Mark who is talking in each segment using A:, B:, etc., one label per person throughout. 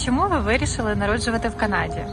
A: Чому ви вирішили народжувати в Канаді?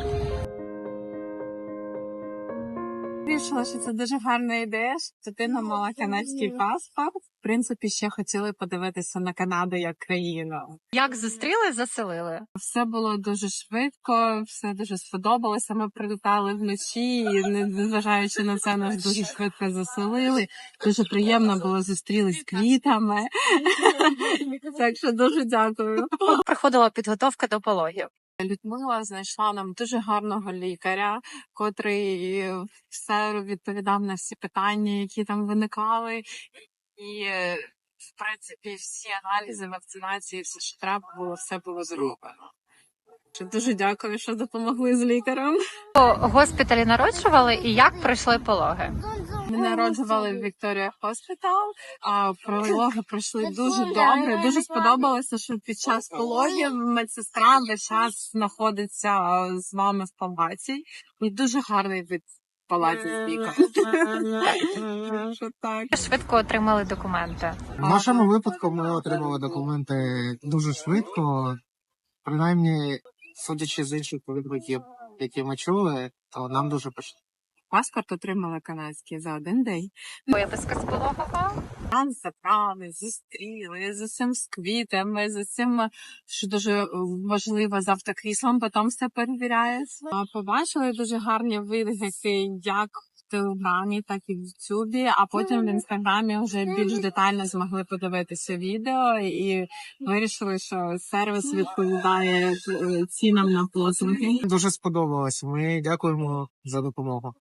B: Вирішила, що це дуже гарна ідея, що дитина мала канадський паспорт. В принципі, ще хотіли подивитися на Канаду як країну.
A: Як зустріли, заселили?
B: Все було дуже швидко, все дуже сподобалося. Ми прилітали вночі, і незважаючи на це, нас дуже швидко заселили. Дуже приємно було зустрілись квітами. Так що дуже дякую.
A: Проходила підготовка до пологів.
B: Людмила знайшла нам дуже гарного лікаря, котрий все відповідав на всі питання, які там виникали. І, в принципі, всі аналізи, вакцинації, все, що треба було, все було зроблено. Дуже дякую, що допомогли з лікарем.
A: У госпіталі народжували і як пройшли пологи?
B: Ми народжували в Вікторія Хоспітал, а пологи пройшли дуже добре. Дуже сподобалося, що під час пологів медсестра весь час знаходиться з вами в палаті. І дуже гарний вид палаті з лікарем.
A: Швидко отримали документи.
C: В нашому випадку ми отримали документи дуже швидко. Принаймні, судячи з інших відгуків, які ми чули, то нам дуже пощастило.
B: Паспорт отримала канадський за один день.
A: Виписка з пологового.
B: Нас забрали, зустріли, з усім з квітами, з усім, що дуже важливо, з автокріслом, потім все перевіряється. Побачили дуже гарні відгуки як в Телеграмі, так і в Ютубі, а потім в Інстаграмі вже більш детально змогли подивитися відео і вирішили, що сервіс відповідає цінам на послуги.
C: Дуже сподобалось. Ми дякуємо за допомогу.